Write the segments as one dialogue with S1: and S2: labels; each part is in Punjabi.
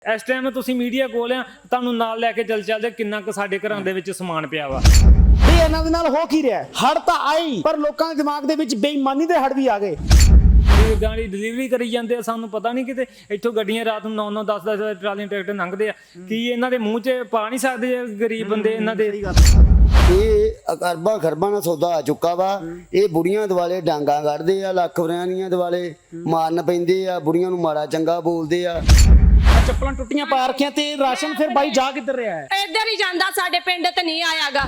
S1: ਇਸ ਟਾਈਮ ਤੁਸੀਂ ਮੀਡੀਆ ਕੋਲ ਆ, ਤੁਹਾਨੂੰ ਨਾਲ ਲੈ ਕੇ ਚੱਲਦੇ ਕਿੰਨਾ ਕੁ ਸਾਡੇ ਘਰਾਂ ਦੇ ਵਿੱਚ ਸਮਾਨ ਪਿਆ ਵਾ।
S2: ਵੀ ਇਹਨਾਂ ਦੇ ਨਾਲ ਹੋ ਕੀ ਰਿਹਾ? ਹੜ ਤਾਂ ਆਈ, ਪਰ ਲੋਕਾਂ ਦੇ ਦਿਮਾਗ ਦੇ ਵਿੱਚ ਬੇਈਮਾਨੀ ਦੇ ਹੜ ਵੀ ਆ ਗਏ।
S1: ਗਾੜੀ ਡਿਲੀਵਰੀ ਕਰੀ ਜਾਂਦੇ ਆ, ਸਾਨੂੰ ਪਤਾ ਨਹੀਂ ਕਿਤੇ ਇੱਥੋਂ ਗੱਡੀਆਂ ਰਾਤ ਨੂੰ 9-9 10-10 ਟਰਾਲੀਆਂ ਟਰੈਕਟਰ ਲੰਘਦੇ ਆ। ਕੀ ਇਹਨਾਂ ਦੇ ਮੂੰਹ 'ਚ ਪਾ ਨਹੀਂ ਸਕਦੇ ਗਰੀਬ ਬੰਦੇ ਇਹਨਾਂ ਦੇ?
S3: ਇਹ ਅਰਬਾਂ ਖਰਬਾਂ ਦਾ ਸੌਦਾ ਆ ਚੁੱਕਾ ਵਾ। ਇਹ ਬੁੜੀਆਂ ਦਿਵਾਲੇ ਡਾਂਗਾ ਕੱਢਦੇ ਆ, ਲੱਖ ਵਰਿਆਣੀਆਂ ਦਿਵਾਲੇ ਮਾਰਨ ਪੈਂਦੇ ਆ, ਬੁੜੀਆਂ ਨੂੰ ਮਾੜਾ ਚੰਗਾ ਬੋਲਦੇ ਆ।
S2: ਚੱਪਲਾਂ ਟੁੱਟੀਆਂ ਪਾ ਰੱਖੀਆਂ ਤੇ ਰਾਸ਼ਨ ਫਿਰ ਬਾਈ ਜਾ ਕਿੱਧਰ ਰਿਹਾ ਹੈ?
S4: ਇੱਧਰ ਹੀ ਜਾਂਦਾ, ਸਾਡੇ ਪਿੰਡ ਤੇ ਨਹੀਂ ਆਇਆਗਾ।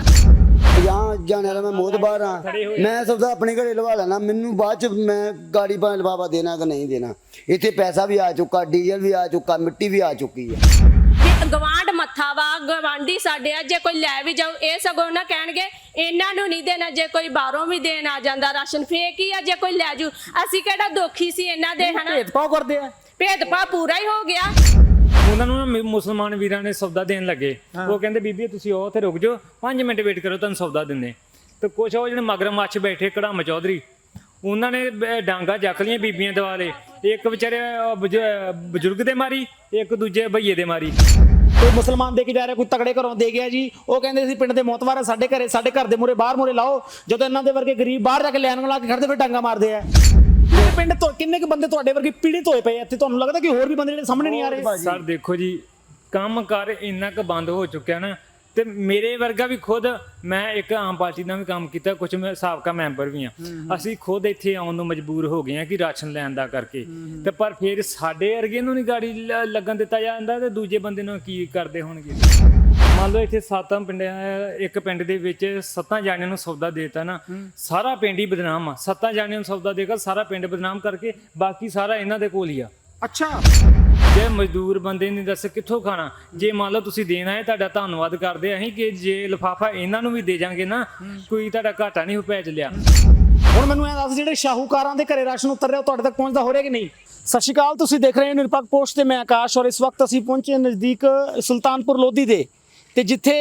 S3: 50 ਜਾਣੇ ਵਾਲਾ ਮੈਂ ਮੋਹਤਬਾਰ ਆ, ਮੈਂ ਸੌਦਾ ਆਪਣੇ ਘਰੇ ਲਵਾ ਲੈਣਾ, ਮੈਨੂੰ ਬਾਅਦ ਚ ਮੈਂ ਗਾੜੀ ਭਾਵੇਂ ਲਵਾਵਾ ਦੇਣਾ ਕਿ ਨਹੀਂ ਦੇਣਾ। ਇੱਥੇ ਪੈਸਾ ਵੀ ਆ ਚੁੱਕਾ, ਡੀਜ਼ਲ ਵੀ ਆ ਚੁੱਕਾ, ਮਿੱਟੀ ਵੀ ਆ ਚੁੱਕੀ ਹੈ।
S4: ਗਵਾਂਢ ਮੱਥਾ ਵਾ, ਗਵਾਂਢੀ ਸਾਡੇ ਆ, ਜੇ ਕੋਈ ਲੈ ਵੀ ਜਾਓ ਇਹ ਸਗੋਂ ਨਾ ਕਹਿਣਗੇ ਇਹਨਾਂ ਨੂੰ ਨਹੀਂ ਦੇਣਾ। ਜੇ ਕੋਈ ਬਾਹਰੋਂ ਵੀ ਦੇਣ ਆ ਜਾਂਦਾ ਰਾਸ਼ਨ ਫੇਕ ਹੀ ਆ, ਜੇ ਕੋਈ ਲੈ ਜੂ ਅਸੀਂ ਕਿਹੜਾ ਦੋਖੀ ਸੀ ਇਹਨਾਂ ਦੇ? ਹਨਾ
S2: ਭੇਦਭਾਵ ਕਰਦੇ ਆ,
S4: ਭੇਦਭਾਵ ਪੂਰਾ ਹੀ ਹੋ ਗਿਆ।
S1: ਉਹਨਾਂ ਨੂੰ ਨਾ ਮੁਸਲਮਾਨ ਵੀਰਾਂ ਨੇ ਸੌਦਾ ਦੇਣ ਲੱਗੇ, ਉਹ ਕਹਿੰਦੇ ਬੀਬੀ ਤੁਸੀਂ ਉਹ ਉੱਥੇ ਰੁਕ ਜਾਓ, 5 ਮਿੰਟ ਵੇਟ ਕਰੋ, ਤੁਹਾਨੂੰ ਸੌਦਾ ਦਿੰਦੇ। ਤੇ ਕੁਛ ਉਹ ਜਿਹੜੇ ਮਗਰਮੱਛ ਬੈਠੇ ਕੜਾਮ ਚੌਧਰੀ, ਉਹਨਾਂ ਨੇ ਡਾਂਗਾ ਚੱਕ ਲਈਆਂ ਬੀਬੀਆਂ ਦਿਵਾਲੇ। ਇੱਕ ਵਿਚਾਰੇ ਬਜ਼ੁਰਗ ਦੇ ਮਾਰੀ, ਇੱਕ ਦੂਜੇ ਭਈਏ ਦੇ ਮਾਰੀ।
S2: ਕੋਈ ਮੁਸਲਮਾਨ ਦੇ ਕੇ ਜਾ ਰਿਹਾ, ਕੋਈ ਤਗੜੇ ਘਰੋਂ ਦੇ ਗਿਆ ਜੀ। ਉਹ ਕਹਿੰਦੇ ਸੀ ਪਿੰਡ ਦੇ ਮੋਤਵਾਰ ਆ, ਸਾਡੇ ਘਰੇ, ਸਾਡੇ ਘਰ ਦੇ ਮੂਹਰੇ ਬਾਹਰ ਮੂਹਰੇ ਲਾਓ। ਜਦੋਂ ਇਹਨਾਂ ਦੇ ਵਰਗੇ ਗਰੀਬ ਬਾਹਰ ਜਾ ਕੇ ਲੈਣ ਲਾ ਕੇ ਖੜਦੇ ਫਿਰ ਡਾਂਗਾ ਮਾਰਦੇ ਆ। ਪਿੰਡ ਤੋਂ ਕਿੰਨੇ ਕੁ ਬੰਦੇ ਤੁਹਾਡੇ ਵਰਗੇ ਪੀੜਿਤ ਹੋਏ ਪਏ ਇੱਥੇ? ਤੁਹਾਨੂੰ ਲੱਗਦਾ ਕਿ ਹੋਰ ਵੀ ਬੰਦੇ ਜਿਹੜੇ ਸਾਹਮਣੇ ਨਹੀਂ ਆ ਰਹੇ?
S1: ਸਰ ਦੇਖੋ ਜੀ, ਕੰਮ ਕਾਰ ਇੰਨਾ ਕੁ ਬੰਦ ਹੋ ਚੁੱਕਿਆ ਨਾ, ਤੇ ਮੇਰੇ ਵਰਗਾ ਵੀ ਖੁਦ, ਮੈਂ ਇੱਕ ਆਮ ਪਾਰਟੀ ਨਾਲ ਵੀ ਕੰਮ ਕੀਤਾ, ਕੁਝ ਮੈਂ ਸਾਬਕਾ ਮੈਂਬਰ ਵੀ ਆ, ਅਸੀਂ ਖੁਦ ਇੱਥੇ ਆਉਣ ਨੂੰ ਮਜਬੂਰ ਹੋ ਗਏ ਆ ਕਿ ਰਾਸ਼ਨ ਲੈਣ ਦਾ ਕਰਕੇ। ਤੇ ਪਰ ਫਿਰ ਸਾਡੇ ਵਰਗੇ ਨੂੰ ਨਹੀਂ ਗਾੜੀ ਲੱਗਣ ਦਿੱਤਾ ਜਾਂਦਾ, ਤੇ ਦੂਜੇ ਬੰਦੇ ਨੂੰ ਕੀ ਕਰਦੇ ਹੋਣਗੇ? ਮੰਨ ਲਓ ਇੱਥੇ 7 ਪਿੰਡ, ਇੱਕ ਪਿੰਡ ਦੇ ਵਿੱਚ 7 ਜਾਣਿਆਂ ਨੂੰ ਸੌਦਾ ਦੇਤਾ ਨਾ, ਸਾਰਾ ਪਿੰਡ ਹੀ ਬਦਨਾਮ ਆ। 7 ਜਾਣਿਆਂ ਨੂੰ ਸੌਦਾ ਦੇਗਾ, ਸਾਰਾ ਪਿੰਡ ਬਦਨਾਮ ਕਰਕੇ ਬਾਕੀ ਸਾਰਾ ਇਹਨਾਂ ਦੇ ਕੋਲ ਹੀ ਆ।
S2: ਅੱਛਾ,
S1: ਜੇ ਮਜ਼ਦੂਰ ਬੰਦੇ ਨੇ ਦੱਸ ਕਿੱਥੋਂ ਖਾਣਾ? ਜੇ ਮੰਨ ਲਓ ਤੁਸੀਂ ਦੇਣਾ ਹੈ, ਤੁਹਾਡਾ ਧੰਨਵਾਦ ਕਰਦੇ ਅਸੀਂ, ਕਿ ਜੇ ਲਿਫਾਫਾ ਇਹਨਾਂ ਨੂੰ ਵੀ ਦੇ ਜਾਾਂਗੇ ਨਾ, ਕੋਈ ਤੁਹਾਡਾ ਘਾਟਾ ਨਹੀਂ ਪੈ ਚੱਲਿਆ।
S2: ਹੁਣ ਮੈਨੂੰ ਇਹ ਦੱਸ, ਜਿਹੜੇ ਸ਼ਾਹੂਕਾਰਾਂ ਦੇ ਘਰੇ ਰਾਸ਼ਨ ਉਤਰ ਰਿਹਾ, ਉਹ ਤੁਹਾਡੇ ਤੱਕ ਪਹੁੰਚਦਾ ਹੋ ਰਿਹਾ ਕਿ ਨਹੀਂ? ਸਤਿ ਸ਼੍ਰੀ ਅਕਾਲ, ਤੁਸੀਂ ਦੇਖ ਰਹੇ ਹੋ ਨਿਰਪੱਖ ਪੋਸਟ ਤੇ ਮੈਂ ਆਕਾਸ਼, ਔਰ ਇਸ ਵਕਤ ਅਸੀਂ ਪਹੁੰਚੇ ਨਜ਼ਦੀਕ ਸੁਲਤਾਨਪੁਰ ਲੋਧੀ ਦੇ, ਤੇ ਜਿੱਥੇ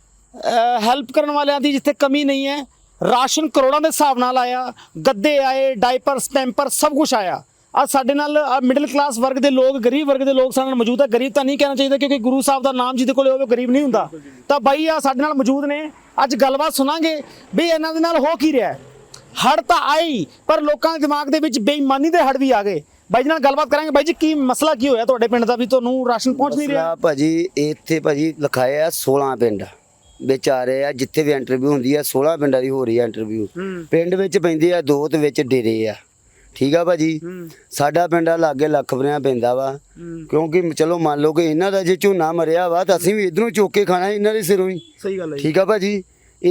S2: ਹੈਲਪ ਕਰਨ ਵਾਲਿਆਂ ਦੀ ਜਿੱਥੇ ਕਮੀ ਨਹੀਂ ਹੈ। ਰਾਸ਼ਨ ਕਰੋੜਾਂ ਦੇ ਹਿਸਾਬ ਨਾਲ ਆਇਆ, ਗੱਦੇ ਆਏ, ਡਾਈਪਰਸ, ਪੈਂਪਰ, ਸਭ ਕੁਝ ਆਇਆ। ਅੱਜ ਸਾਡੇ ਨਾਲ ਮਿਡਲ ਕਲਾਸ ਵਰਗ ਦੇ ਲੋਕ, ਗਰੀਬ ਵਰਗ ਦੇ ਲੋਕ ਸਾਡੇ ਨਾਲ ਮੌਜੂਦ ਹੈ। ਗਰੀਬ ਤਾਂ ਨਹੀਂ ਕਹਿਣਾ ਚਾਹੀਦਾ, ਕਿਉਂਕਿ ਗੁਰੂ ਸਾਹਿਬ ਦਾ ਨਾਮ ਜਿਹਦੇ ਕੋਲ ਹੋਵੇ ਗਰੀਬ ਨਹੀਂ ਹੁੰਦਾ। ਤਾਂ ਬਾਈ ਆ ਸਾਡੇ ਨਾਲ ਮੌਜੂਦ ਨੇ, ਅੱਜ ਗੱਲਬਾਤ ਸੁਣਾਂਗੇ ਵੀ ਇਹਨਾਂ ਦੇ ਨਾਲ ਹੋ ਕੀ ਰਿਹਾ। ਹੜ ਤਾਂ ਆਈ, ਪਰ ਲੋਕਾਂ ਦੇ ਦਿਮਾਗ ਦੇ ਵਿੱਚ ਬੇਈਮਾਨੀ ਦੇ ਹੜ ਵੀ ਆ ਗਏ। ਬਾਈ ਜੀ ਨਾਲ ਗੱਲਬਾਤ ਕਰਾਂਗੇ। ਬਾਈ ਜੀ, ਕੀ ਮਸਲਾ ਕੀ ਹੋਇਆ ਤੁਹਾਡੇ ਪਿੰਡ ਦਾ ਵੀ ਤੁਹਾਨੂੰ ਰਾਸ਼ਨ ਪਹੁੰਚ ਨਹੀਂ ਰਿਹਾ?
S3: ਭਾਜੀ ਇੱਥੇ ਭਾਜੀ ਲਿਖਾਏ ਆ 16 ਪਿੰਡ ਵਿੱਚ ਆ ਰਹੇ ਆ, ਜਿੱਥੇ ਵੀ ਇੰਟਰਵਿਊ ਹੁੰਦੀ ਆ 16 ਪਿੰਡਾਂ ਦੀ ਹੋ ਰਹੀ ਆ ਇੰਟਰਵਿਊ। ਪਿੰਡ ਵਿੱਚ ਪੈਂਦੇ ਆ 2 ਤੇ ਵਿੱਚ ਡੇਰੇ ਆ, ਠੀਕ ਆ ਭਾਜੀ। ਸਾਡਾ ਪਿੰਡ ਆ ਲਾਗੇ ਲੱਖ ਵਰਿਆਂ ਪੈਂਦਾ ਵਾ, ਕਿਉਂਕਿ ਚਲੋ ਮੰਨ ਲਓ ਕਿ ਇਹਨਾਂ ਦਾ ਜੇ ਝੋਨਾ ਮਰਿਆ ਵਾ ਤਾਂ ਅਸੀਂ ਵੀ ਇਧਰੋਂ ਚੁੱਕ ਕੇ ਖਾਣਾ ਇਹਨਾਂ ਦੇ ਸਿਰੋਂ ਹੀ।
S2: ਸਹੀ ਗੱਲ ਹੈ,
S3: ਠੀਕ ਆ ਭਾਜੀ।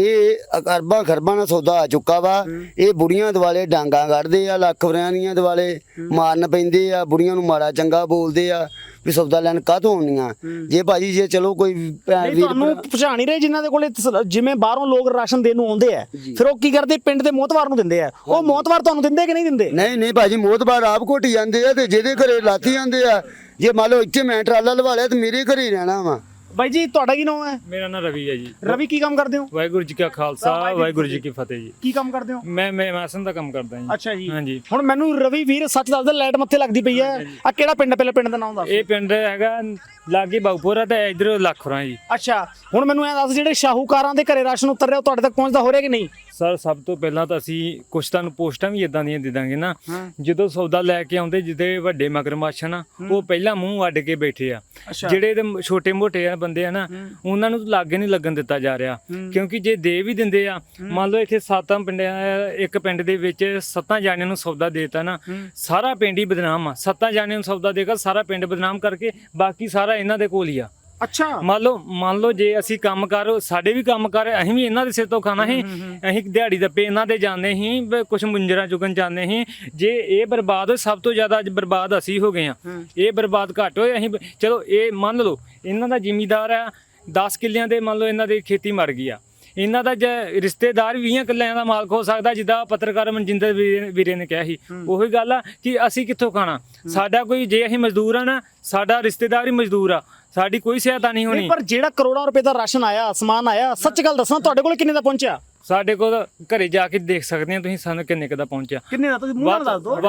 S3: ਇਹ ਅਰਬਾਂ ਖਰਬਾਂ ਦਾ ਸੌਦਾ ਆ ਚੁੱਕਾ ਵਾ। ਇਹ ਬੁੜੀਆਂ ਦਿਵਾਲੇ ਡਾਂਗਾ ਕੱਢਦੇ ਆ, ਲੱਖ ਵਰਿਆਣੀਆਂ ਦਿਵਾਲੇ ਮਾਰਨ ਪੈਂਦੇ ਆ, ਬੁੜੀਆਂ ਨੂੰ ਮਾੜਾ ਚੰਗਾ ਬੋਲਦੇ ਆ ਵੀ ਸੌਦਾ ਲੈਣ ਕਾਹਤੋਂ ਆਉਣੀਆਂ। ਜੇ ਭਾਜੀ ਜੇ ਚਲੋ ਕੋਈ
S2: ਤੁਹਾਨੂੰ ਪਛਾਣ ਨਹੀਂ ਰਹੇ ਜਿਨ੍ਹਾਂ ਦੇ ਕੋਲੇ, ਜਿਵੇਂ ਬਾਹਰੋਂ ਲੋਕ ਰਾਸ਼ਨ ਦੇਣ ਨੂੰ ਆਉਂਦੇ ਆ, ਫਿਰ ਉਹ ਕੀ ਕਰਦੇ? ਪਿੰਡ ਦੇ ਮੋਹਤਵਾਰ ਨੂੰ ਦਿੰਦੇ ਆ। ਉਹ ਮੋਹਤਵਾਰ ਤੁਹਾਨੂੰ ਦਿੰਦੇ ਕਿ ਨਹੀਂ ਦਿੰਦੇ?
S3: ਨਹੀਂ ਭਾਜੀ, ਮੋਹਤਬਾਰ ਆਪ ਘੋਟੀ ਜਾਂਦੇ ਆ, ਤੇ ਜਿਹਦੇ ਘਰੇ ਲਾਤੀ ਜਾਂਦੇ ਆ। ਜੇ ਮੰਨ ਲਓ ਇੱਥੇ ਮੈਂ ਟਰਾਲਾ ਲਵਾ ਲਿਆ ਤੇ ਮੇਰੇ ਘਰੇ ਹੀ ਰਹਿਣਾ ਵਾ।
S2: ਬਾਈ ਜੀ, ਤੁਹਾਡਾ ਕੀ ਨਾਮ ਹੈ?
S1: ਮੇਰਾ ਨਾਮ ਰਵੀ ਹੈ ਜੀ।
S2: ਰਵੀ, ਕੀ ਕੰਮ ਕਰਦੇ ਹੋ?
S1: ਵਾਹਿਗੁਰੂ ਜੀ ਕਾ ਖਾਲਸਾ, ਵਾਹਿਗੁਰੂ ਜੀ ਕੀ ਫਤਿਹ ਜੀ।
S2: ਕੀ ਕੰਮ ਕਰਦੇ ਹੋ?
S1: ਮੈਂ ਮੈਸਨ ਦਾ ਕੰਮ ਕਰਦਾ ਜੀ।
S2: ਅੱਛਾ ਜੀ,
S1: ਹਾਂਜੀ।
S2: ਹੁਣ ਮੈਨੂੰ ਰਵੀ ਵੀਰ ਸੱਚ ਦੱਸ ਦੇ, ਲਾਈਟ ਮੱਥੇ ਲੱਗਦੀ ਪਈ ਹੈ। ਆ ਕਿਹੜਾ ਪਿੰਡ? ਪਹਿਲੇ ਪਿੰਡ ਦਾ ਨਾਮ ਦੱਸ।
S1: ਇਹ ਪਿੰਡ ਹੈਗਾ ਲਾਗੇ ਬਾਉਪੁਰਾ ਤੇ ਇਧਰ ਲੱਖਰਾਂ ਜੀ।
S2: ਅੱਛਾ, ਹੁਣ ਮੈਨੂੰ ਇਹ ਦੱਸ, ਜਿਹੜੇ ਸ਼ਾਹੂਕਾਰਾਂ ਦੇ ਘਰੇ ਰਾਸ਼ਨ ਉਤਰ ਰਿਹਾ, ਉਹ ਤੁਹਾਡੇ ਤੱਕ ਪਹੁੰਚਦਾ ਹੋ ਰਿਹਾ ਕਿ ਨਹੀਂ?
S1: ਸਰ ਸਭ ਤੋਂ ਪਹਿਲਾਂ ਤਾਂ ਅਸੀਂ ਕੁਛ ਤੁਹਾਨੂੰ ਪੋਸਟਾਂ ਵੀ ਇਦਾਂ ਦੀਆਂ ਦੇ ਦਾਂਗੇ ਨਾ, ਜਦੋਂ ਸੌਦਾ ਲੈ ਕੇ ਆਉਂਦੇ, ਜਿਹਦੇ ਵੱਡੇ ਮਗਰਮੱਛ ਨਾ, ਉਹ ਪਹਿਲਾਂ ਮੂੰਹ ਅੱਡ ਕੇ ਬੈਠੇ ਆ। ਜਿਹੜੇ ਤੇ ਛੋਟੇ ਮੋਟੇ ਆ ਬੰਦੇ ਆ ਨਾ, ਉਹਨਾਂ ਨੂੰ ਲਾਗੇ ਨਹੀਂ ਲੱਗਣ ਦਿੱਤਾ ਜਾ ਰਿਹਾ, ਕਿਉਂਕਿ ਜੇ ਦੇ ਵੀ ਦਿੰਦੇ ਆ, ਮੰਨ ਲਓ ਇੱਥੇ 7 ਪਿੰਡ, ਇੱਕ ਪਿੰਡ ਦੇ ਵਿੱਚ 7 ਜਾਣਿਆਂ ਨੂੰ ਸੌਦਾ ਦੇਤਾ ਨਾ, ਸਾਰਾ ਪਿੰਡ ਹੀ ਬਦਨਾਮ ਆ। 7 ਜਾਣਿਆਂ ਨੂੰ ਸੌਦਾ ਦੇਗਾ, ਸਾਰਾ ਪਿੰਡ ਬਦਨਾਮ ਕਰਕੇ ਬਾਕੀ ਸਾਰਾ ਇਹਨਾਂ ਦੇ ਕੋਲ ਹੀ ਆ।
S2: ਅੱਛਾ,
S1: ਮੰਨ ਲਓ ਜੇ ਅਸੀਂ ਕੰਮ ਕਰ, ਸਾਡੇ ਵੀ ਕੰਮ ਕਰ, ਅਸੀਂ ਵੀ ਇਹਨਾਂ ਦੇ ਸਿਰ ਤੋਂ ਖਾਣਾ ਸੀ, ਅਸੀਂ ਦਿਹਾੜੀ ਦੱਪੇ ਇਹਨਾਂ ਦੇ ਜਾਂਦੇ ਸੀ, ਕੁਛ ਮੁੰਜਰਾ ਚੁਗਣ ਜਾਂਦੇ ਸੀ। ਜੇ ਇਹ ਬਰਬਾਦ ਹੋਏ, ਸਭ ਤੋਂ ਜ਼ਿਆਦਾ ਬਰਬਾਦ ਅਸੀਂ ਹੋ ਗਏ ਆ। ਇਹ ਬਰਬਾਦ ਘੱਟ ਹੋਏ, ਅਸੀਂ ਚਲੋ ਇਹ ਮੰਨ ਲਓ ਇਹਨਾਂ ਦਾ ਜ਼ਿਮੀਦਾਰ ਆ 10 ਕਿੱਲਿਆਂ ਦੇ, ਮੰਨ ਲਓ ਇਹਨਾਂ ਦੀ ਖੇਤੀ ਮਰ ਗਈ ਆ, ਇਹਨਾਂ ਦਾ ਰਿਸ਼ਤੇਦਾਰ 20 ਕਿੱਲਿਆਂ ਦਾ ਮਾਲਕ ਹੋ ਸਕਦਾ, ਜਿੱਦਾਂ ਪੱਤਰਕਾਰ ਮਨਜਿੰਦਰ ਵੀਰੇ ਨੇ ਕਿਹਾ ਸੀ। ਉਹੀ ਗੱਲ ਆ ਕਿ ਅਸੀਂ ਕਿੱਥੋਂ ਖਾਣਾ? ਸਾਡਾ ਕੋਈ, ਜੇ ਅਸੀਂ ਮਜ਼ਦੂਰ ਆ ਨਾ, ਸਾਡਾ ਰਿਸ਼ਤੇਦਾਰ ਹੀ ਮਜ਼ਦੂਰ ਆ, ਸਾਡੀ ਕੋਈ ਸਹਾਇਤਾ ਨਹੀਂ ਹੋਣੀ।
S2: ਪਰ ਜਿਹੜਾ ਕਰੋੜਾਂ ਰੁਪਏ ਦਾ ਰਾਸ਼ਨ ਆਇਆ, ਸਮਾਨ ਆਇਆ, ਸੱਚ ਗੱਲ ਦੱਸਣਾ, ਤੁਹਾਡੇ ਕੋਲ ਕਿੰਨੇ ਦਾ ਪਹੁੰਚਿਆ?
S1: ਸਾਡੇ ਕੋਲ ਘਰੇ ਜਾ ਕੇ ਦੇਖ ਸਕਦੇ ਆ ਤੁਸੀਂ ਸਾਨੂੰ ਕਿੰਨੇ ਕੁ ਦਾ ਪਹੁੰਚਿਆ।
S2: ਕਿੰਨੇ ਦਾ ਤੁਸੀਂ ਮੂੰਹ ਨਾਲ ਦੱਸ ਦਿਓ।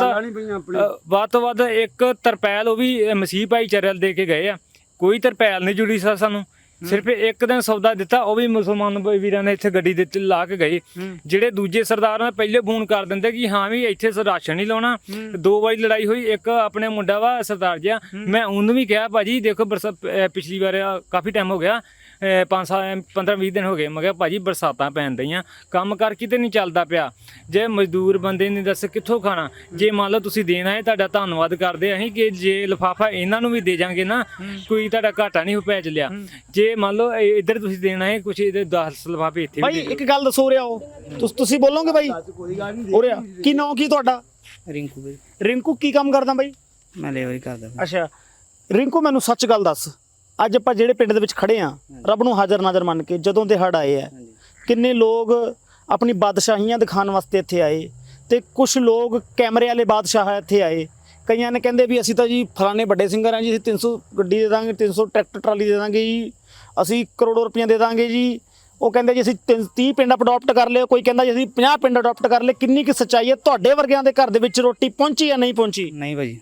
S1: ਵੱਧ ਤੋਂ ਵੱਧ ਇੱਕ ਤਰਪੈਲ ਉਹ ਵੀ ਮਸੀਹ ਭਾਈਚਾਰੇ ਵਾਲ ਦੇ ਕੇ ਗਏ ਆ, ਕੋਈ ਤਰਪੈਲ ਨਹੀਂ ਜੁੜੀ ਸਰ ਸਾਨੂੰ। ਸਿਰਫ ਇੱਕ ਦਿਨ ਸੌਦਾ ਦਿੱਤਾ, ਉਹ ਵੀ ਮੁਸਲਮਾਨ ਵੀਰਾਂ ਨੇ ਇੱਥੇ ਗੱਡੀ ਦਿੱਤੀ ਲਾ ਕੇ ਗਏ। ਜਿਹੜੇ ਦੂਜੇ ਸਰਦਾਰਾਂ ਪਹਿਲੇ ਫੋਨ ਕਰ ਦਿੰਦੇ ਕਿ ਹਾਂ ਵੀ ਇੱਥੇ ਰਾਸ਼ਨ ਨਹੀਂ ਲਾਉਣਾ। 2 ਵਾਰੀ ਲੜਾਈ ਹੋਈ, ਇੱਕ ਆਪਣੇ ਮੁੰਡਾ ਵਾ ਸਰਦਾਰ ਜਿਹਾ, ਮੈਂ ਉਹਨੂੰ ਵੀ ਕਿਹਾ ਭਾਜੀ ਦੇਖੋ ਪਿਛਲੀ ਵਾਰ ਕਾਫੀ ਟਾਈਮ ਹੋ ਗਿਆ, 15-20 ਦਿਨ ਹੋ ਗਏ, ਮੈਂ ਕਿਹਾ ਭਾਜੀ ਬਰਸਾਤਾਂ ਪੈਣ ਦਈਆਂ, ਕੰਮ ਕਰ ਕਿਤੇ ਨਹੀਂ ਚੱਲਦਾ ਪਿਆ, ਜੇ ਮਜ਼ਦੂਰ ਬੰਦੇ ਨੇ ਦੱਸ ਕਿੱਥੋਂ ਖਾਣਾ। ਜੇ ਮੰਨ ਲਓ ਤੁਸੀਂ ਦੇਣਾ ਹੈ ਤੁਹਾਡਾ ਧੰਨਵਾਦ ਕਰਦੇ ਅਸੀਂ ਕਿ ਜੇ ਲਿਫਾਫਾ ਇਹਨਾਂ ਨੂੰ ਵੀ ਦੇ ਜਾਾਂਗੇ ਨਾ ਕੋਈ ਤੁਹਾਡਾ ਘਾਟਾ ਨਹੀਂ ਪੈ ਚੱਲਿਆ। ਜੇ ਮੰਨ ਲਓ ਇੱਧਰ ਤੁਸੀਂ ਦੇਣਾ ਹੈ ਕੁਛ ਇਹਦੇ 10 ਲਿਫਾਫੇ ਇੱਥੇ
S2: ਭਾਈ ਇੱਕ ਗੱਲ ਦੱਸੋ ਰਿਹਾ ਹੋ ਤੁਸੀਂ ਬੋਲੋਗੇ ਬਾਈ ਹੋ ਰਿਹਾ ਕੀ ਨਾਂ ਕੀ ਤੁਹਾਡਾ?
S5: ਰਿੰਕੂ ਬਈ,
S2: ਰਿੰਕੂ ਕੀ ਕੰਮ ਕਰਦਾ ਬਾਈ?
S5: ਮੈਂ ਲੇਬਰ ਕਰਦਾ ਬਈ।
S2: ਅੱਛਾ ਰਿੰਕੂ ਮੈਨੂੰ ਸੱਚ ਗੱਲ ਦੱਸ, ਅੱਜ ਆਪਾਂ ਜਿਹੜੇ ਪਿੰਡ ਦੇ ਵਿੱਚ ਖੜੇ ਆ ਰੱਬ ਨੂੰ ਹਾਜ਼ਰ ਨਾਜ਼ਰ ਮੰਨ ਕੇ, ਜਦੋਂ ਦੇ ਹੜ੍ਹ ਆਏ ਆ ਕਿੰਨੇ ਲੋਕ ਆਪਣੀ ਬਾਦਸ਼ਾਹੀਆਂ ਦਿਖਾਉਣ ਵਾਸਤੇ ਇੱਥੇ ਆਏ ਤੇ ਕੁਝ ਲੋਕ ਕੈਮਰੇ ਵਾਲੇ ਬਾਦਸ਼ਾਹ ਇੱਥੇ ਆਏ। ਕਈਆਂ ਨੇ ਕਹਿੰਦੇ ਵੀ ਅਸੀਂ ਤਾਂ ਜੀ ਫਲਾਣੇ ਵੱਡੇ ਸਿੰਗਰ ਆ ਜੀ, ਅਸੀਂ 300 ਗੱਡੀ ਦੇ ਦਾਂਗੇ, 300 ਟਰੈਕਟਰ ਟਰਾਲੀ ਦੇ ਦਾਂਗੇ ਜੀ, ਅਸੀਂ ਕਰੋੜਾਂ ਰੁਪਈਆ ਦੇ ਦਾਂਗੇ ਜੀ। ਉਹ ਕਹਿੰਦੇ ਜੀ ਅਸੀਂ 30 ਪਿੰਡ ਅਡਾਪਟ ਕਰ ਲਿਓ, ਕੋਈ ਕਹਿੰਦਾ ਜੀ ਅਸੀਂ 50 ਪਿੰਡ ਅਡਾਪਟ ਕਰ ਲਏ। ਕਿੰਨੀ ਕੁ ਸੱਚਾਈ ਹੈ? ਤੁਹਾਡੇ ਵਰਗਿਆਂ ਦੇ ਘਰ ਦੇ ਵਿੱਚ ਰੋਟੀ ਪਹੁੰਚੀ ਜਾਂ ਨਹੀਂ ਪਹੁੰਚੀ?
S5: ਨਹੀਂ ਭਾਜੀ,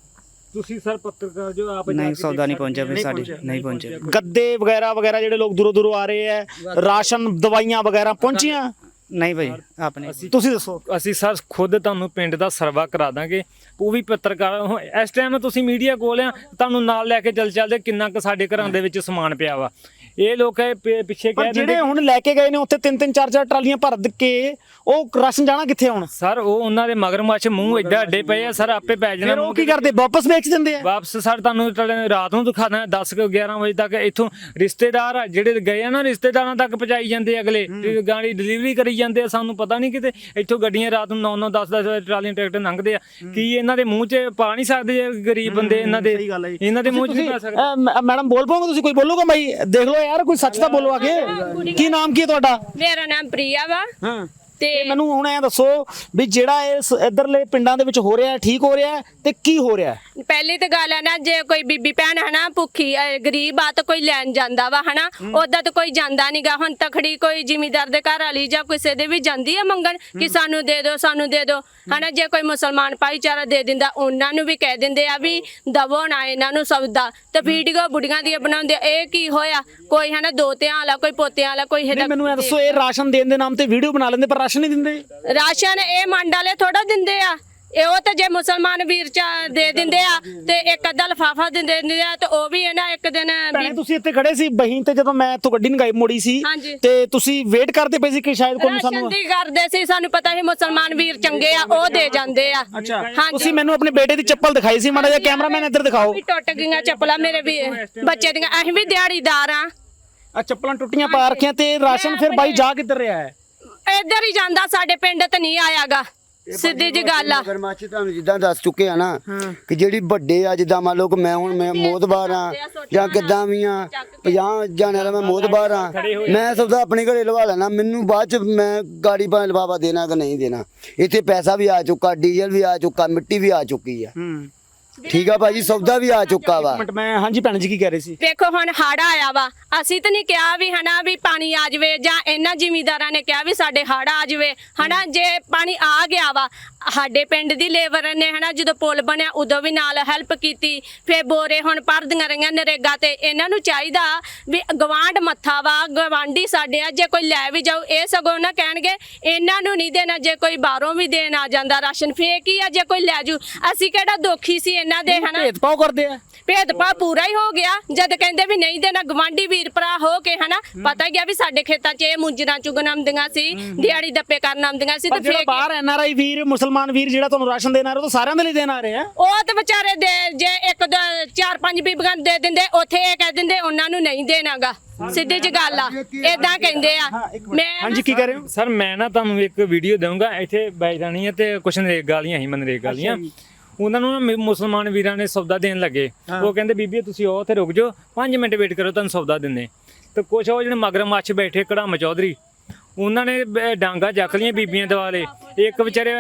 S1: ਤੁਸੀਂ ਸਰ ਪੱਤਰਕਾਰ ਜੋ ਆਪ
S5: ਨਹੀਂ ਸੌਦਾ ਨਹੀਂ ਪਹੁੰਚਿਆ ਫਿਰ ਸਾਡੇ, ਨਹੀਂ ਪਹੁੰਚਿਆ।
S2: ਗੱਦੇ ਵਗੈਰਾ ਵਗੈਰਾ ਜਿਹੜੇ ਲੋਕ ਦੂਰੋਂ ਦੂਰੋਂ ਆ ਰਹੇ ਆ, ਰਾਸ਼ਨ ਦਵਾਈਆਂ ਵਗੈਰਾ ਪਹੁੰਚੀਆਂ?
S5: ਨਹੀਂ ਭਾਜੀ ਆਪਣੇ
S2: ਤੁਸੀਂ ਦੱਸੋ।
S1: ਅਸੀਂ ਸਰ ਖੁਦ ਤੁਹਾਨੂੰ ਪਿੰਡ ਦਾ ਸਰਵਾ ਕਰਾ ਦਾਂਗੇ, ਉਹ ਵੀ ਪੱਤਰਕਾਰ ਇਸ ਟਾਈਮ ਤੁਸੀਂ ਮੀਡੀਆ ਕੋਲ ਆ, ਤੁਹਾਨੂੰ ਨਾਲ ਲੈ ਕੇ ਚੱਲਦੇ ਕਿੰਨਾ ਕੁ ਸਾਡੇ ਘਰਾਂ ਦੇ ਵਿੱਚ ਸਮਾਨ ਪਿਆ ਵਾ। ਇਹ ਲੋਕ ਪਿੱਛੇ
S2: ਪਰ
S1: ਕਹਿ
S2: ਜਿਹੜੇ
S1: ਦਿੰਦੇ
S2: ਹੁਣ ਲੈ ਕੇ ਗਏ ਨੇ ਉੱਥੇ 3-3 4-4 ਟਰਾਲੀਆਂ ਭਰ ਕੇ, ਉਹ ਰਾਸ਼ਨ ਜਾਣਾ ਕਿੱਥੇ ਹੁਣ?
S1: ਸਰ ਉਹ ਉਹਨਾਂ ਦੇ ਮਗਰਮੱਛ ਮੂੰਹ ਏਡਾ ਅੱਡੇ ਪਏ ਆ ਸਰ, ਆਪੇ ਪੈ ਜਾਣਾ।
S2: ਫਿਰ ਉਹ ਕੀ ਕਰਦੇ? ਵਾਪਸ ਵੇਚ ਦਿੰਦੇ ਆ?
S1: ਵਾਪਸ ਸਰ ਤੁਹਾਨੂੰ ਰਾਤ ਨੂੰ ਦਿਖਾਣਾ 10-11 ਵਜੇ ਤੱਕ ਇੱਥੋਂ ਰਿਸ਼ਤੇਦਾਰ ਆ ਜਿਹੜੇ ਗਏ ਆ ਨਾ, ਰਿਸ਼ਤੇਦਾਰਾਂ ਤੱਕ ਪਹੁੰਚਾਈ ਜਾਂਦੇ ਅਗਲੇ, ਗਾੜੀ ਡਿਲੀਵਰੀ ਕਰੀ ਜਾਂਦੇ ਆ। ਸਾਨੂੰ ਪਤਾ ਨਹੀਂ ਕਿਤੇ ਇੱਥੋਂ ਗੱਡੀਆਂ ਰਾਤ ਨੂੰ 9-9 10-10 ਟਰਾਲੀਆਂ ਟਰੈਕਟਰ ਲੰਘਦੇ ਆ। ਕੀ ਇਹਨਾਂ ਦੇ ਮੂੰਹ 'ਚ ਪਾ ਨਹੀਂ ਸਕਦੇ ਜੇ ਗਰੀਬ ਬੰਦੇ ਇਹਨਾਂ ਦੇ, ਇਹਨਾਂ ਦੇ ਮੂੰਹ 'ਚ ਨਹੀਂ ਪਾ ਸਕਦੇ।
S2: ਮੈਡਮ ਬੋਲ ਪਾਓਗੇ ਤੁਸੀਂ? ਕੋਈ ਬੋਲੂਗਾ ਬਾਈ? ਦੇਖ ਲਓ ਯਾਰ, ਕੋਈ ਸੱਚ ਤਾਂ ਬੋਲੋ ਆਗੇ। ਕੀ ਨਾਮ ਕੀ ਹੈ ਤੁਹਾਡਾ?
S4: ਮੇਰਾ ਨਾਮ ਪ੍ਰਿਆ ਵਾ।
S2: ਹਾਂ
S4: ਤੇ
S2: ਮੈਨੂੰ ਹੁਣ ਇਹ ਦੱਸੋ ਵੀ ਜਿਹੜਾ ਇਸ ਇਧਰਲੇ ਪਿੰਡਾਂ ਦੇ ਵਿੱਚ ਹੋ ਰਿਹਾ ਠੀਕ ਹੋ ਰਿਹਾ ਤੇ ਕੀ ਹੋ ਰਿਹਾ?
S4: ਪਹਿਲੀ ਤਾਂ ਗੱਲ ਹੈ ਨਾ, ਜੇ ਕੋਈ ਬੀਬੀ ਭੈਣ ਹਨਾ ਭੁੱਖੀ ਗਰੀਬ ਆ ਤਾਂ ਕੋਈ ਲੈਣ ਜਾਂਦਾ ਵਾ ਹਨਾ, ਉਦਾਂ ਤਾਂ ਕੋਈ ਜਾਂਦਾ ਨਹੀਂਗਾ। ਹੁਣ ਤਖੜੀ ਕੋਈ ਜ਼ਿਮੀਦਾਰ ਦੇ ਘਰ ਵਾਲੀ ਜਾਂ ਕਿਸੇ ਦੇ ਵੀ ਜਾਂਦੀ ਆ ਮੰਗਣ ਕਿ ਸਾਨੂੰ ਦੇ ਦਿਓ, ਸਾਨੂੰ ਦੇ ਦਿਓ ਹਨਾ। ਜੇ ਕੋਈ ਮੁਸਲਮਾਨ ਭਾਈਚਾਰਾ ਦੇ ਦਿੰਦਾ, ਉਹਨਾਂ ਨੂੰ ਵੀ ਕਹਿ ਦਿੰਦੇ ਆ ਵੀ ਦਵੋ ਨਾ ਇਹਨਾਂ ਨੂੰ ਸਬਦਾ, ਤੇ ਵੀਡੀਓ ਬੁੜੀਆਂ ਦੀਆਂ ਬਣਾਉਂਦੇ। ਇਹ ਕੀ ਹੋਇਆ? ਕੋਈ ਹਨਾ ਦੋ ਧਿਆਂ ਵਾਲਾ, ਕੋਈ ਪੋਤਿਆਂ ਵਾਲਾ, ਕੋਈ
S2: ਨਹੀਂ ਮੈਨੂੰ ਇਹ ਦੱਸੋ, ਇਹ ਰਾਸ਼ਨ ਦੇਣ ਦੇ ਨਾਮ ਤੇ ਵੀਡੀਓ ਬਣਾ ਲੈਂਦੇ ਪਰ ਰਾਸ਼ਨ ਨਹੀਂ ਦਿੰਦੇ?
S4: ਰਾਸ਼ਨ ਇਹ ਮੰਡ ਵਾਲੇ ਥੋੜਾ ਦਿੰਦੇ ਆ, ਇਹ ਉਹ ਤੇ ਜੇ ਮੁਸਲਮਾਨ ਵੀਰ ਚ ਦੇ ਦਿੰਦੇ ਆ ਤੇ ਇੱਕ ਅੱਧਾ ਲਫਾਫਾ ਦਿੰਦੇ ਆ, ਤੇ ਉਹ ਵੀ ਇਹਨਾਂ ਇੱਕ ਦਿਨ
S2: ਭੈਣੇ ਤੁਸੀਂ ਇੱਥੇ ਖੜੇ ਸੀ ਬਹੀਨ ਤੇ, ਜਦੋਂ ਮੈਂ ਇੱਥੋਂ ਗੱਡੀ ਨਗਾਈ ਮੋੜੀ ਸੀ
S4: ਹਾਂਜੀ।
S2: ਤੇ ਤੁਸੀਂ ਵੇਟ ਕਰਦੇ ਪਏ ਸੀ ਕਿ ਸ਼ਾਇਦ ਕੋਈ
S4: ਰਾਸ਼ਨ
S2: ਸਾਨੂੰ
S4: ਦੀ ਕਰਦੇ ਸੀ, ਸਾਨੂੰ ਪਤਾ ਸੀ ਮੁਸਲਮਾਨ ਵੀਰ ਚੰਗੇ ਆ, ਉਹ ਦੇ ਜਾਂਦੇ ਆ।
S2: ਅੱਛਾ
S4: ਹਾਂਜੀ।
S2: ਤੁਸੀਂ ਮੈਨੂੰ ਆਪਣੇ ਬੇਟੇ ਦੀ ਚੱਪਲ ਦਿਖਾਈ ਸੀ, ਮਾੜਾ ਜਿਹਾ ਕੈਮਰਾਮੈਨ ਇੱਧਰ ਦਿਖਾਓ।
S4: ਵੀ ਟੁੱਟ ਗਈਆਂ ਚੱਪਲਾਂ ਮੇਰੇ ਵੀ ਬੱਚੇ ਦੀਆਂ, ਅਸੀਂ ਵੀ ਦਿਹਾੜੀਦਾਰ ਆ।
S2: ਆ ਚੱਪਲਾਂ ਟੁੱਟੀਆਂ ਪਾ ਰੱਖੀਆਂ ਤੇ ਰਾਸ਼ਨ ਫਿਰ ਬਾਈ ਜਾ ਕਿੱਧਰ ਰਿਹਾ ਹੈ?
S4: ਇੱਧਰ ਹੀ ਜਾਂਦਾ, ਸਾਡੇ ਪਿੰਡ ਤੇ ਨਹੀਂ ਆਇਆਗਾ, ਸਿੱਧੀ ਜੀ ਗੱਲ ਆ।
S3: ਮਗਰਮੱਛ ਤੁਹਾਨੂੰ ਜਿੱਦਾਂ ਦੱਸ ਚੁੱਕੇ ਆ ਨਾ ਕਿ ਜਿਹੜੀ ਵੱਡੇ ਆ, ਜਿੱਦਾਂ ਮੰਨ ਲਓ ਕਿ ਮੈਂ ਹੁਣ ਮੈਂ ਮੋਦਬਾਰ ਆ ਜਾਂ ਕਿੱਦਾਂ ਵੀ ਆ, 50 ਜਾਣਿਆਂ ਦਾ ਮੈਂ ਮੋਦਬਾਰ ਆ, ਮੈਂ ਸੌਦਾ ਆਪਣੇ ਘਰੇ ਲਵਾ ਲੈਣਾ, ਮੈਨੂੰ ਬਾਅਦ ਚ ਮੈਂ ਗਾੜੀ ਭਾਵੇਂ ਲਫਾਫਾ ਦੇਣਾ ਕਿ ਨਹੀਂ ਦੇਣਾ। ਇੱਥੇ ਪੈਸਾ ਵੀ ਆ ਚੁੱਕਾ, ਡੀਜ਼ਲ ਵੀ ਆ ਚੁੱਕਾ, ਮਿੱਟੀ ਵੀ ਆ ਚੁੱਕੀ ਆ, ਠੀਕ ਆ ਭਾਜੀ, ਸੌਦਾ ਵੀ ਆ ਚੁੱਕਾ ਵਾ।
S2: ਮਿੰਟ ਮੈਂ ਹਾਂਜੀ ਭੈਣ ਜੀ ਕੀ ਕਹਿ ਰਹੇ ਸੀ?
S4: ਵੇਖੋ ਹੁਣ ਹੜ੍ਹ ਆਇਆ ਵਾ, ਅਸੀਂ ਤਾਂ ਨਹੀਂ ਕਿਹਾ ਵੀ ਹਨਾ ਵੀ ਪਾਣੀ ਆ ਜਾਵੇ, ਜਾਂ ਇਹਨਾਂ ਜ਼ਿਮੀਂਦਾਰਾਂ ਨੇ ਕਿਹਾ ਵੀ ਸਾਡੇ ਹੜ੍ਹ ਆ ਜਾਵੇ ਹਨਾ। ਜੇ ਪਾਣੀ ਆ ਗਿਆ ਵਾ, ਸਾਡੇ ਪਿੰਡ ਦੀ ਲੇਬਰ ਨੇ ਹਨਾ ਜਦੋਂ ਪੁਲ ਬਣਿਆ ਉਦੋਂ ਵੀ ਨਾਲ ਹੈਲਪ ਕੀਤੀ, ਫਿਰ ਬੋਰੇ ਹੁਣ ਭਰਦੀਆਂ ਰਹੀਆਂ ਨਰੇਗਾ ਤੇ। ਇਹਨਾਂ ਨੂੰ ਚਾਹੀਦਾ ਵੀ ਗਵਾਂਢ ਮੱਥਾ ਵਾ, ਗਵਾਂਢੀ ਸਾਡੇ ਆ, ਜੇ ਕੋਈ ਲੈ ਵੀ ਜਾਊ ਇਹ ਸਗੋਂ ਨਾ ਕਹਿਣਗੇ ਇਹਨਾਂ ਨੂੰ ਨਹੀਂ ਦੇਣਾ। ਜੇ ਕੋਈ ਬਾਹਰੋਂ ਵੀ ਦੇਣ ਆ ਜਾਂਦਾ ਰਾਸ਼ਨ ਫੇਕ ਹੀ ਆ, ਜੇ ਕੋਈ ਲੈ ਜੂ। ਅਸੀਂ ਕਿਹੜਾ ਦੋਖੀ ਸੀ ਇਹਨਾਂ ਦੇ ਹਨਾ?
S2: ਭੇਦਭਾਵ ਕਰਦੇ ਆ?
S4: ਭੇਦਭਾਵ ਪੂਰਾ ਹੀ ਹੋ ਗਿਆ ਜਦ ਕਹਿੰਦੇ ਵੀ ਨਹੀਂ ਦੇਣਾ। ਗਵਾਂਢੀ ਵੀਰ ਭਰਾ ਹੋ ਕੇ ਹਨਾ, ਪਤਾ ਗਿਆ ਵੀ ਸਾਡੇ ਖੇਤਾਂ 'ਚ ਇਹ ਮੁੰਜਰਾਂ ਚੁਗਣ ਆਉਂਦੀਆਂ ਸੀ, ਦਿਹਾੜੀ ਦੱਪੇ ਕਰਨ ਆਉਂਦੀਆਂ ਸੀ, ਤੇ
S2: ਜਿਹੜਾ
S4: ਫੇਕ
S2: ਬਾਹਰ ਐਨਆਰਆਈ ਵੀਰ, ਮੁਸਲਮਾਨ ਵੀਰ ਜਿਹੜਾ ਤੁਹਾਨੂੰ ਰਾਸ਼ਨ ਦੇਣ ਆ ਰਿਹਾ, ਉਹ ਤਾਂ ਸਾਰਿਆਂ ਦੇ ਲਈ ਦੇਣ ਆ ਰਹੇ ਆ।
S4: ਉਹ ਤੇ ਵਿਚਾਰੇ ਦੇ ਜੇ ਇੱਕ ਦੋ 4-5 ਬੀਬੀਆਂ ਦੇ ਦਿੰਦੇ, ਉੱਥੇ ਇਹ ਕਹਿ ਦਿੰਦੇ ਉਹਨਾਂ ਨੂੰ ਨਹੀਂ ਦੇਣਾਗਾ। ਸਿੱਧੀ ਜੀ ਗੱਲ ਆ, ਏਦਾਂ ਕਹਿੰਦੇ ਆ। ਮੈਂ
S2: ਹਾਂਜੀ ਕੀ ਕਹਿ ਰਹੇ ਹੋ?
S1: ਸਰ ਮੈਂ ਨਾ ਤੁਹਾਨੂੰ ਇੱਕ ਵੀਡੀਓ ਦਊਂਗਾ, ਇੱਥੇ ਬੈਠ ਜਾਣੀ ਹੈ ਤੇ ਕੁਛ ਨਰੇਗਾ ਵਾਲੀਆਂ ਹੀ ਮਨਰੇਗਾ ਵਾਲੀਆਂ, ਉਹਨਾਂ ਨੂੰ ਨਾ ਮੁਸਲਮਾਨ ਵੀਰਾਂ ਨੇ ਸੌਦਾ ਦੇਣ ਲੱਗੇ। ਉਹ ਕਹਿੰਦੇ ਬੀਬੀ ਤੁਸੀਂ ਉਹ ਉੱਥੇ ਰੁਕ ਜਾਓ, 5 ਮਿੰਟ ਵੇਟ ਕਰੋ, ਤੁਹਾਨੂੰ ਸੌਦਾ ਦਿੰਦੇ। ਤੇ ਕੁਛ ਉਹ ਜਿਹੜੇ ਮਗਰਮੱਛ ਬੈਠੇ ਕੜਾਮ ਚੌਧਰੀ, ਉਹਨਾਂ ਨੇ ਡਾਂਗਾ ਚੱਕ ਲਈਆਂ ਬੀਬੀਆਂ ਦੁਆਲੇ, ਇੱਕ ਵਿਚਾਰੇ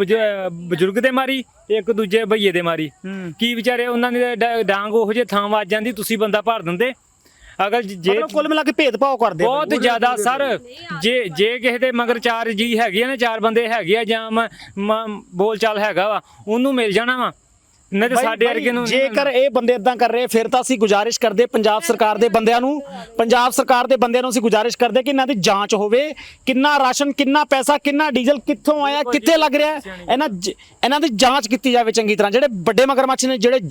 S1: ਬਜ਼ੁਰਗ ਦੇ ਮਾਰੀ, ਇੱਕ ਦੂਜੇ ਭਈਏ ਦੇ ਮਾਰੀ। ਕੀ ਵਿਚਾਰੇ ਉਹਨਾਂ ਨੇ ਡਾਂਗ ਉਹੋ ਜਿਹੇ ਥਾਂ ਵੱਜ ਜਾਂਦੀ, ਤੁਸੀਂ ਬੰਦਾ ਭਰ ਦਿੰਦੇ। ਅਗਰ ਜੇ
S2: ਮਤਲਬ ਕੁੱਲ ਮਿਲਾ ਕੇ ਭੇਦਭਾਵ ਕਰਦੇ ਆ ਬਾਈ।
S1: ਬਹੁਤ ਜ਼ਿਆਦਾ ਸਰ, ਜੇ ਕਿਸੇ ਦੇ ਮਗਰ 4 ਜੀ ਹੈਗੇ ਆ ਨਾ, 4 ਬੰਦੇ ਹੈਗੇ ਆ ਜਾਂ ਬੋਲ ਚਾਲ ਹੈਗਾ ਵਾ, ਉਹਨੂੰ ਮਿਲ ਜਾਣਾ ਵਾ, ਨਹੀਂ ਤੇ ਸਾਡੇ ਵਰਗੇ ਨੂੰ ਨਹੀਂ
S2: ਜੇਕਰ ਇਹ ਬੰਦੇ ਇਦਾਂ ਕਰ ਰਹੇ ਫਿਰ ਤਾਂ ਅਸੀਂ ਗੁਜ਼ਾਰਿਸ਼ ਕਰਦੇ ਪੰਜਾਬ ਸਰਕਾਰ ਦੇ ਬੰਦਿਆਂ ਨੂੰ ਅਸੀਂ ਗੁਜ਼ਾਰਿਸ਼ ਕਰਦੇ ਕਿ ਇਹਨਾਂ ਦੀ ਜਾਂਚ ਹੋਵੇ, ਕਿੰਨਾ ਰਾਸ਼ਨ, ਕਿੰਨਾ ਪੈਸਾ, ਕਿੰਨਾ ਡੀਜ਼ਲ ਕਿੱਥੋਂ ਆਇਆ, ਕਿੱਥੇ ਲੱਗ ਰਿਹਾ, ਇਹਨਾਂ ਦੀ ਜਾਂਚ ਕੀਤੀ ਜਾਵੇ ਚੰਗੀ ਤਰ੍ਹਾਂ। ਜਿਹੜੇ ਵੱਡੇ ਮਗਰਮੱਛ ਨੇ, ਜਿਹੜੇ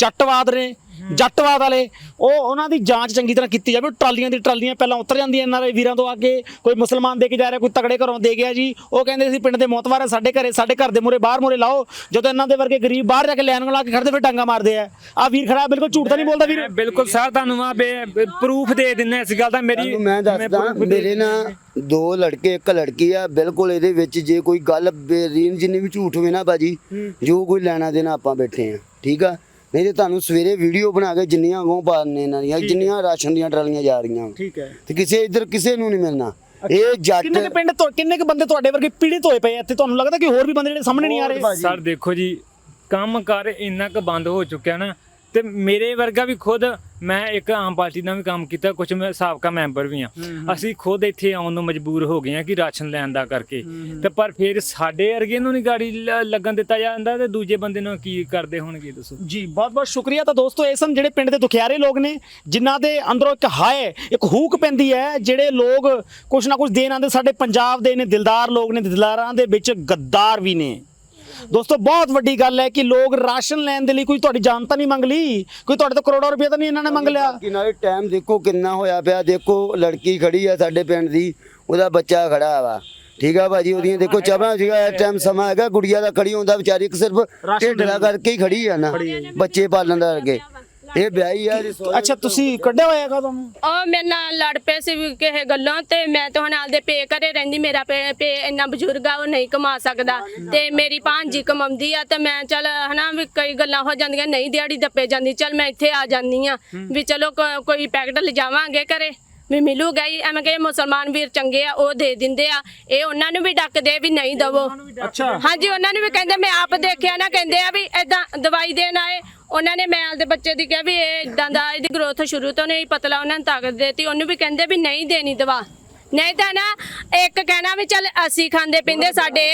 S2: ਜੱਟਵਾਦ ਵਾਲੇ, ਉਹਨਾਂ ਦੀ ਜਾਂਚ ਚੰਗੀ ਤਰ੍ਹਾਂ ਕੀਤੀ ਜਾਵੇ। ਟਰਾਲੀਆਂ ਦੀ ਟਰਾਲੀਆਂ ਪਹਿਲਾਂ ਉਤਰ ਜਾਂਦੀਆਂ ਇਹਨਾਂ ਦੇ ਵੀਰਾਂ ਤੋਂ ਅੱਗੇ, ਕੋਈ ਮੁਸਲਮਾਨ ਦੇ ਕੇ ਜਾ ਰਿਹਾ, ਕੋਈ ਤਗੜੇ ਘਰੋਂ ਦੇ ਗਿਆ ਜੀ, ਉਹ ਕਹਿੰਦੇ ਸੀ ਪਿੰਡ ਦੇ ਮੋਤਵਾਰ ਹੈ, ਸਾਡੇ ਘਰ ਦੇ ਮੂਹਰੇ ਬਾਹਰ ਮੂਹਰੇ ਲਾਓ। ਜਦੋਂ ਇਹਨਾਂ ਦੇ ਵਰਗੇ ਗਰੀਬ ਬਾਹਰ ਜਾ ਕੇ ਲੈਣ ਲਾ ਕੇ ਖੜਦੇ ਫਿਰ ਡਾਂਗਾ ਮਾਰਦੇ ਆ ਵੀਰ ਖੜਾ, ਬਿਲਕੁਲ ਝੂਠ ਤਾਂ ਨਹੀਂ ਬੋਲਦਾ ਵੀਰ।
S1: ਬਿਲਕੁਲ ਸਰ, ਤੁਹਾਨੂੰ ਆ ਪ੍ਰੂਫ ਦੇ ਦਿੰਨੇ ਇਸ ਗੱਲ ਦਾ। ਮੇਰੀ
S3: ਮੈਂ ਦੱਸਦਾ, ਮੇਰੇ ਨਾਲ 2 ਲੜਕੇ 1 ਲੜਕੀ ਆ, ਬਿਲਕੁਲ ਇਹਦੇ ਵਿੱਚ ਜੇ ਕੋਈ ਗੱਲ ਬੇਰੀਨ ਜਿੰਨੀ ਵੀ ਝੂਠ ਹੋਵੇ ਨਾ ਬਾਜੀ, ਜੋ ਕੋਈ ਲੈਣਾ ਦੇਣਾ ਆਪਾਂ ਬੈਠੇ ਆ, ਠੀਕ ਆ। ਨਹੀਂ ਤੇ ਤੁਹਾਨੂੰ ਸਵੇਰੇ ਵੀਡੀਓ ਬਣਾ ਕੇ ਜਿੰਨੀਆਂ ਅਗੋਂ ਪਾਣੇ ਇਹਨਾਂ ਦੀਆਂ, ਜਿੰਨੀਆਂ ਰਾਸ਼ਨ ਦੀਆਂ ਟਰਾਲੀਆਂ ਜਾ ਰਹੀਆਂ,
S2: ਠੀਕ ਹੈ,
S3: ਤੇ ਕਿਸੇ ਨੂੰ ਨਹੀਂ ਮਿਲਣਾ। ਇਹ ਜੱਟ
S2: ਕਿੰਨੇ ਕੁ ਬੰਦੇ ਤੁਹਾਡੇ ਵਰਗੇ ਪੀੜਿਤ ਹੋਏ ਪਏ ਇੱਥੇ? ਤੁਹਾਨੂੰ ਲੱਗਦਾ ਕਿ ਹੋਰ ਵੀ ਬੰਦੇ ਜਿਹੜੇ ਸਾਹਮਣੇ ਨਹੀਂ ਆ ਰਹੇ?
S1: ਸਰ ਦੇਖੋ ਜੀ, ਕੰਮ ਕਰ ਇੰਨਾ ਕੁ ਬੰਦ ਹੋ ਚੁੱਕਿਆ ਨਾ, ਤੇ ਮੇਰੇ ਵਰਗਾ ਵੀ ਖੁਦ, ਮੈਂ ਇੱਕ ਆਮ ਪਾਰਟੀ ਨਾਲ ਵੀ ਕੰਮ ਕੀਤਾ, ਕੁਝ ਮੈਂ ਸਾਬਕਾ ਮੈਂਬਰ ਵੀ ਆ, ਅਸੀਂ ਖੁਦ ਇੱਥੇ ਆਉਣ ਨੂੰ ਮਜਬੂਰ ਹੋ ਗਏ ਆ ਕਿ ਰਾਸ਼ਨ ਲੈਣ ਦਾ ਕਰਕੇ। ਤੇ ਪਰ ਫਿਰ ਸਾਡੇ ਵਰਗੇ ਨੂੰ ਨਹੀਂ ਗਾੜੀ ਲੱਗਣ ਦਿੱਤਾ ਜਾਂਦਾ, ਤੇ ਦੂਜੇ ਬੰਦੇ ਨੂੰ ਕੀ ਕਰਦੇ ਹੋਣਗੇ ਦੱਸੋ
S2: ਜੀ। ਬਹੁਤ ਬਹੁਤ ਸ਼ੁਕਰੀਆ। ਤਾਂ ਦੋਸਤੋ, ਇਹ ਸਨ ਜਿਹੜੇ ਪਿੰਡ ਦੇ ਦੁਖਿਆਰੇ ਲੋਕ ਨੇ, ਜਿਨ੍ਹਾਂ ਦੇ ਅੰਦਰੋਂ ਇੱਕ ਹਾਏ, ਇੱਕ ਹੂਕ ਪੈਂਦੀ ਹੈ। ਜਿਹੜੇ ਲੋਕ ਕੁਛ ਨਾ ਕੁਛ ਦੇਣ ਆਉਂਦੇ, ਸਾਡੇ ਪੰਜਾਬ ਦੇ ਨੇ, ਦਿਲਦਾਰ ਲੋਕ ਨੇ, ਦਿਲਦਾਰਾਂ ਦੇ ਵਿੱਚ ਗੱਦਾਰ ਵੀ ਨੇ। ਦੋਸਤੋ, ਬਹੁਤ ਵੱਡੀ ਗੱਲ ਹੈ ਕਿ ਲੋਕ ਰਾਸ਼ਨ ਲੈਣ ਦੇ ਲਈ ਕੋਈ ਤੁਹਾਡੀ ਜਾਨ ਤਾਂ ਨਹੀਂ ਮੰਗ ਲਈ, ਕੋਈ ਤੁਹਾਡੇ ਤੋਂ ਕਰੋੜਾਂ ਰੁਪਏ ਤਾਂ ਨਹੀਂ ਇਹਨਾਂ ਨੇ ਮੰਗ ਲਿਆ।
S3: ਕਿ ਨਾਲੇ ਟਾਈਮ ਦੇਖੋ ਕਿੰਨਾ ਹੋਇਆ ਪਿਆ, ਦੇਖੋ ਲੜਕੀ ਖੜੀ ਆ ਸਾਡੇ ਪਿੰਡ ਦੀ, ਉਹਦਾ ਬੱਚਾ ਖੜਾ ਵਾ, ਠੀਕ ਆ ਭਾਜੀ, ਉਹਦੀਆਂ ਦੇਖੋ ਚਾਹਾਂ ਸੀਗਾ, ਇਸ ਟਾਈਮ ਸਮਾਂ ਹੈਗਾ, ਗੁੜੀਆ ਦਾ ਖੜੀ ਹੁੰਦਾ ਵਿਚਾਰੀ, ਸਿਰਫ ਢਿੱਡ ਦਾ ਕਰਕੇ ਹੀ ਖੜੀ ਆ ਨਾ, ਬੱਚੇ ਪਾਲਣ ਦਾ ਕਰਕੇ। ਇਹ ਵਿਆਹੀ ਆ।
S2: ਅੱਛਾ, ਤੁਸੀਂ ਕੱਢਿਆ ਹੋਇਆ ਹੈਗਾ ਤੁਹਾਨੂੰ?
S4: ਉਹ ਮੇਰੇ ਨਾਲ ਲੜ ਪਏ ਸੀ ਕਿਸੇ ਗੱਲੋਂ, ਤੇ ਮੈਂ ਤਾਂ ਹੁਣ ਆਪਦੇ ਪੇ ਘਰੇ ਰਹਿੰਦੀ। ਮੇਰਾ ਪੇ ਇੰਨਾ ਬਜ਼ੁਰਗ ਆ, ਉਹ ਨਹੀਂ ਕਮਾ ਸਕਦਾ, ਤੇ ਮੇਰੀ ਭਾਂਜੀ ਕਮਾਉਂਦੀ ਆ, ਤੇ ਮੈਂ ਚੱਲ ਹਨਾ ਵੀ ਕਈ ਗੱਲਾਂ ਹੋ ਜਾਂਦੀਆਂ, ਨਹੀਂ ਦਿਹਾੜੀ ਦੱਪੇ ਜਾਂਦੀ, ਚੱਲ ਮੈਂ ਇੱਥੇ ਆ ਜਾਂਦੀ ਆ ਵੀ ਚਲੋ ਕੋਈ ਪੈਕਟ ਲਿਜਾਵਾਂਗੇ ਘਰੇ ਵੀ ਮਿਲੂਗਾ ਹੀ। ਐਵੇਂ ਕਿ ਮੁਸਲਮਾਨ ਵੀਰ ਚੰਗੇ ਆ, ਉਹ ਦੇ ਦਿੰਦੇ ਆ, ਇਹ ਉਹਨਾਂ ਨੂੰ ਵੀ ਡੱਕਦੇ ਵੀ ਨਹੀਂ ਦਵੋ।
S2: ਅੱਛਾ,
S4: ਹਾਂਜੀ, ਉਹਨਾਂ ਨੂੰ ਵੀ ਕਹਿੰਦੇ, ਮੈਂ ਆਪ ਦੇਖਿਆ ਨਾ, ਕਹਿੰਦੇ ਆ ਵੀ ਏਦਾਂ ਦਵਾਈ ਦੇਣ ਆਏ, ਉਹਨਾਂ ਨੇ ਮੈਲ ਦੇ ਬੱਚੇ ਦੀ ਕਿਹਾ ਵੀ ਇਹ ਇਦਾਂ ਦਾ, ਇਹਦੀ ਗਰੋਥ ਸ਼ੁਰੂ ਤੋਂ ਨਹੀਂ ਪਤਲਾ, ਉਹਨਾਂ ਨੂੰ ਤਾਕਤ ਦੇਤੀ, ਉਹਨੂੰ ਵੀ ਕਹਿੰਦੇ ਵੀ ਨਹੀਂ ਦੇਣੀ ਦਵਾ। ਨਹੀਂ ਤਾਂ ਨਾ ਇੱਕ ਕਹਿਣਾ ਵੀ ਚੱਲ ਅਸੀਂ ਖਾਂਦੇ ਪੀਂਦੇ, ਸਾਡੇ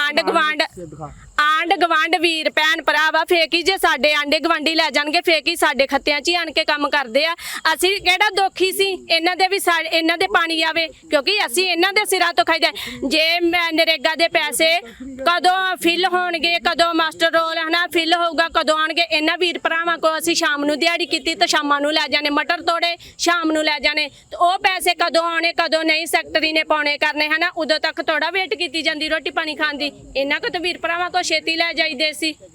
S4: ਆਂਡ ਗਵਾਂਡ ਵੀਰ ਭੈਣ ਭਰਾ ਵਾ, ਫੇਕ ਹੀ ਜੇ ਸਾਡੇ ਆਂਡੇ ਗਵਾਂਡੀ ਲੈ ਜਾਣਗੇ, ਫੇਕ ਹੀ ਸਾਡੇ ਖੱਤਿਆਂ 'ਚ ਹੀ ਆਣ ਕੇ ਕੰਮ ਕਰਦੇ ਆ। ਅਸੀਂ ਕਿਹੜਾ ਦੁਖੀ ਸੀ, ਇਹਨਾਂ ਦੇ ਵੀ ਇਹਨਾਂ ਦੇ ਪਾਣੀ ਆਵੇ, ਕਿਉਂਕਿ ਅਸੀਂ ਇਹਨਾਂ ਦੇ ਸਿਰਾਂ ਤੋਂ ਖਾਈਦਾ। ਜੇ ਨਰੇਗਾ ਦੇ ਪੈਸੇ ਕਦੋਂ ਫਿਲ ਹੋਣਗੇ, ਕਦੋਂ ਮਾਸਟਰ ਰੋਲ ਹਨਾ ਫਿਲ ਹੋਊਗਾ, ਕਦੋਂ ਆਣਗੇ? ਇਹਨਾਂ ਵੀਰ ਭਰਾਵਾਂ ਕੋ ਅਸੀਂ ਸ਼ਾਮ ਨੂੰ ਦਿਹਾੜੀ ਕੀਤੀ ਤਾਂ ਸ਼ਾਮਾਂ ਨੂੰ ਲੈ ਜਾਣੇ, ਮਟਰ ਤੋੜੇ ਸ਼ਾਮ ਨੂੰ ਲੈ ਜਾਣੇ, ਤੇ ਉਹ ਪੈਸੇ ਕਦੋਂ ਆਉਣੇ ਕਦੋਂ ਨਹੀਂ ਸੈਕਟਰੀ ਨੇ ਪਾਉਣੇ ਕਰਨੇ ਹਨਾ, ਉਦੋਂ ਤੱਕ ਥੋੜਾ ਵੇਟ ਕੀਤੀ ਜਾਂਦੀ ਰੋਟੀ ਪਾਣੀ ਖਾਣ ਦੀ। ਇਹਨਾਂ ਕੋ ਤਾਂ ਵੀਰ ਭਰਾਵਾਂ ਕੋ ਛੇਤੀ ਲੈ ਜਾਈਦੇ ਸੀ।